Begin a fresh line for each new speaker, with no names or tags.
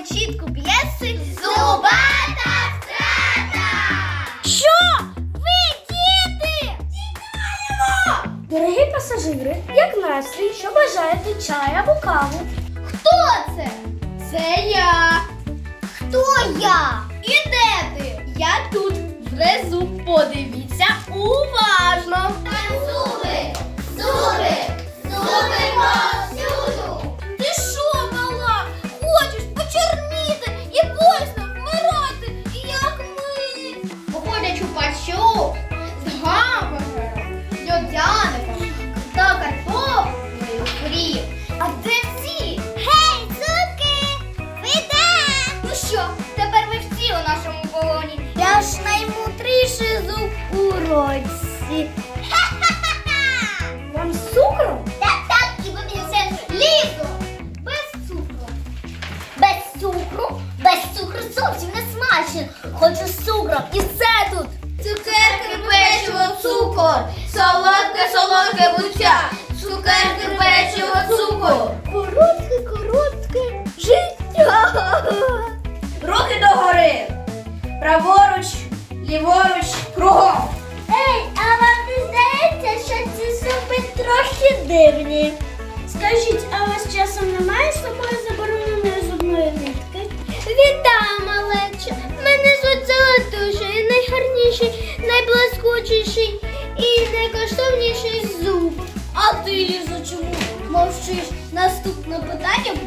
початку п'єси «Зубата страта». Що? Ви діти? Тікаємо!
Дорогі пасажири, як настрій, що бажаєте, чай або каву?
Хто це? Це я. Хто я? І де ти? Я тут, внизу. Подивіться уважно. Зуби! Зуби! Зуби повсюду! Ти що, мала? Хочеш почорніти і болісно вмирати, як ми? Походячу пащу з гамбургером, льодяником та картоплею фрі. А де всі? Гей, зубки! Ви де? Ну що, тепер ви всі у нашому полоні. Я ж наймудріший зуб у році. Ха-ха-ха!
Вам з цукром?
Так, і ви мені лізо. Без цукру. Без цукру? Без цукру зовсім не смачно. Хочу з цукром. І все тут. Цукерки, печиво, цукор. Солодке буття. Цукерки, печиво, цукор. Коротке життя.
Руки догори. Праворуч, ліворуч, кругом.
Ей, а вам не здається, що ці зуби трохи дивні?
Скажіть, а у вас часом немає з собою забороненої зубної нитки?
Вітаю, малече! Мене звуть Золотуший, найгарніший, найблискучіший і найкоштовніший зуб. А ти, Лізо, чому мовчиш? Наступне питання